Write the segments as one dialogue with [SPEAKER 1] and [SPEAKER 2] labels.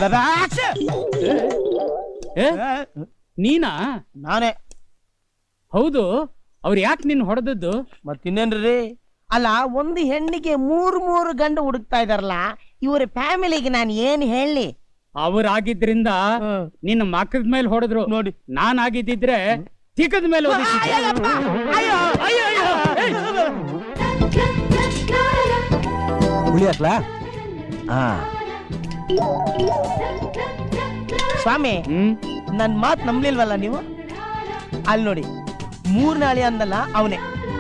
[SPEAKER 1] ನೀನಾ?
[SPEAKER 2] ನಾನೇ.
[SPEAKER 1] ಹೌದು, ಅವ್ರು ಯಾಕೆ ನಿನ್ ಹೊಡೆದದ್ದು?
[SPEAKER 2] ಮತ್ತಿನ್ನೇನ್ರಿ, ಅಲ್ಲ ಒಂದು ಹೆಣ್ಣಿಗೆ ಮೂರು ಗಂಡು ಹುಡುಕ್ತಾ ಇದಾರಲ್ಲ, ಇವರ ಫ್ಯಾಮಿಲಿಗೆ ನಾನು ಏನ್ ಹೇಳಿ?
[SPEAKER 1] ಅವರಾಗಿದ್ರಿಂದ ನಿನ್ನ ಮಕ್ಕದ ಮೇಲೆ ಹೊಡೆದ್ರು
[SPEAKER 2] ನೋಡಿ.
[SPEAKER 1] ನಾನ್ ಆಗಿದ್ದಿದ್ರೆ ತಿಕ್ಕದ ಮೇಲೆ
[SPEAKER 2] ಸ್ವಾಮಿ, ನನ್ ಮಾತ್ ನಂಬ್ಲಿಲ್ವಲ್ಲ ನೀವು? ಅಲ್ಲಿ ನೋಡಿ, 3 ನಾಳಿ ಅಂದಲ್ಲ ಅವನೇ.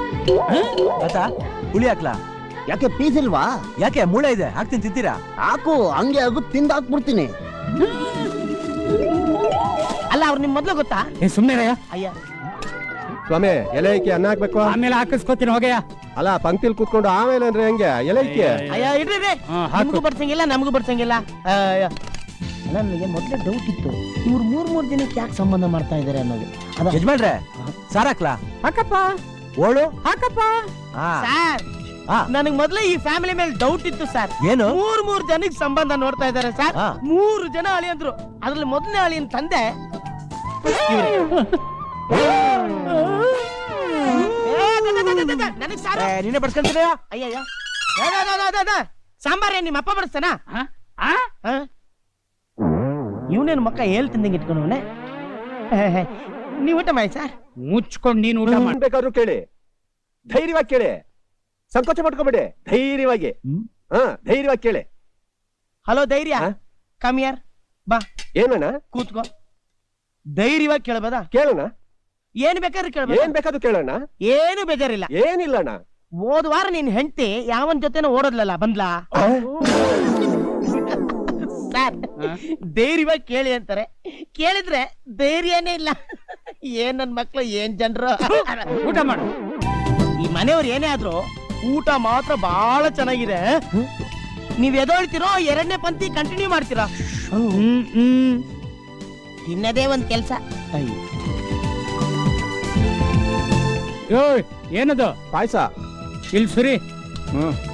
[SPEAKER 3] ಹುಳಿ ಹಾಕ್ಲಾ?
[SPEAKER 4] ಯಾಕೆ ಪೀಸ್ ಇಲ್ವಾ?
[SPEAKER 3] ಯಾಕೆ ಮೂಳೆ ಇದೆ, ಹಾಕ್ತೀನಿ, ತಿಂತೀರಾ?
[SPEAKER 4] ಹಾಕು, ಹಂಗೆ ಆಗು, ತಿಂದಾಕ್ಬಿಡ್ತೀನಿ.
[SPEAKER 2] ಅಲ್ಲ, ಅವ್ರು ನಿಮ್ ಮೊದ್ಲು ಗೊತ್ತಾ?
[SPEAKER 1] ಸುಮ್ನೆ
[SPEAKER 2] ಅಯ್ಯ
[SPEAKER 5] ಸ್ವಾಮಿ, ಎಲೆ ಇಕ್ಕಿ ಅನ್ನ ಹಾಕ್ಬೇಕು.
[SPEAKER 1] ಆಮೇಲೆ ಹಾಕಿಸ್ಕೋತೀನಿ ಹೋಗಯ್ಯ.
[SPEAKER 5] ಅಲ್ಲ, ಪಂಕ್ತಿಲ್ ಕೂತ್ಕೊಂಡು ಆಮೇಲೆ ಅಂದ್ರೆ ಹೆಂಗೆ? ಎಲೆ ಇಕ್ಕಿ.
[SPEAKER 2] ಅಯ್ಯ ಇಡ್ರಿ, ನಮಗೂ ಬಡ್ಸಂಗಿಲ್ಲ, ನಮಗೂ ಬಡ್ಸಂಗಿಲ್ಲ. ನನಗೆ ಮೊದ್ಲೇ ಡೌಟ್ ಇತ್ತು, ಇವ್ರು 3 ಜನಕ್ಕೆ ಯಾಕೆ ಸಂಬಂಧ ಮಾಡ್ತಾ ಇದಾರೆ ಅನ್ನೋದು.
[SPEAKER 3] ಯಜಮಾನ್ರೆ, ಸಾರ್ ಹಾಕ್ಲಾ?
[SPEAKER 1] ಹಾಕಪ್ಪ.
[SPEAKER 3] ಓಳು
[SPEAKER 1] ಹಾಕಪ್ಪ.
[SPEAKER 2] ಸರ್, ನನಗ್ ಮೊದ್ಲೇ ಈ ಫ್ಯಾಮಿಲಿ ಮೇಲೆ ಡೌಟ್ ಇತ್ತು ಸರ್.
[SPEAKER 3] ಏನು?
[SPEAKER 2] 3 ಜನಕ್ಕೆ ಸಂಬಂಧ ನೋಡ್ತಾ ಇದಾರೆ ಸರ್. 3 ಜನ ಅಳಿಯಂದ್ರು, ಅದ್ರಲ್ಲಿ ಮೊದಲನೇ ಅಳಿಯನ್ ತಂದೆ. ನನಗ್ ಸಾರ
[SPEAKER 3] ನೀನೇ ಬಡ್ಸ್ಕೊಂತೀರಾ?
[SPEAKER 2] ಅಯ್ಯಯ್ಯ, ಸಾಂಬಾರ ನಿಮ್ಮ ಅಪ್ಪ ಬಡಿಸ್ತಾನ? ಇವನೇನು ಮಕ್ಕ ಹೇಳ್ತಿಂದಂಗೆ ಇಟ್ಕೊಂಡವನೆ. ನೀವು ಊಟ ಮಾಡಿ ಸರ್.
[SPEAKER 1] ಮುಚ್ಕೊಂಡು ನೀನು ಊಟ
[SPEAKER 5] ಮಾಡ್ಬೇಕಾದ್ರು ಕೇಳಿ, ಧೈರ್ಯವಾಗಿ ಕೇಳಿ, ಸಂಕೋಚ ಮಾಡ್ಕೋಬೇಡಿ, ಧೈರ್ಯವಾಗಿ. ಧೈರ್ಯವಾಗಿ ಕೇಳಿ.
[SPEAKER 2] ಹಲೋ ಧೈರ್ಯ, ಕಮಿಯರ್ ಬಾ.
[SPEAKER 5] ಏನಣ್ಣ?
[SPEAKER 2] ಕೂತ್ಕೋ. ಧೈರ್ಯವಾಗಿ ಕೇಳಬಹುದಾ?
[SPEAKER 5] ಕೇಳೋಣ.
[SPEAKER 2] ಏನ್ ಬೇಕಾದ್ರೂ ಕೇಳಬಹುದು.
[SPEAKER 5] ಏನ್ ಬೇಕಾದ್ರೂ ಕೇಳೋಣ.
[SPEAKER 2] ಏನು ಬೇಜಾರಿಲ್ಲ.
[SPEAKER 5] ಏನಿಲ್ಲಣ್ಣ.
[SPEAKER 2] ಹೋದ ವಾರ ನಿನ್ ಹೆಂಡತಿ ಯಾವನ್ ಜೊತೆನೋ ಓಡೋದ್ಲಲ್ಲ, ಬಂದ್ಲಾ? ಸರ್, ಧೈರ್ಯವಾಗಿ ಕೇಳಿ ಅಂತಾರೆ, ಕೇಳಿದ್ರೆ ಧೈರ್ಯನೇ ಇಲ್ಲ. ಏನ್ ನನ್ ಮಕ್ಳು, ಏನ್ ಜನರು.
[SPEAKER 1] ಊಟ ಮಾಡು.
[SPEAKER 2] ಈ ಮನೆಯವ್ರು ಏನೇ ಆದ್ರೂ ಊಟ ಮಾತ್ರ ಬಹಳ ಚೆನ್ನಾಗಿದೆ. ನೀವ್ ಎದೊಳ್ತಿರೋ, 2ನೇ ಪಂಕ್ತಿ ಕಂಟಿನ್ಯೂ ಮಾಡ್ತೀರಾ? ತಿನ್ನದೇ ಒಂದ್ ಕೆಲ್ಸ.
[SPEAKER 1] ಏನದು?
[SPEAKER 5] ಪಾಯಸ.
[SPEAKER 1] ಇಲ್ಲಿ ಸುರಿ.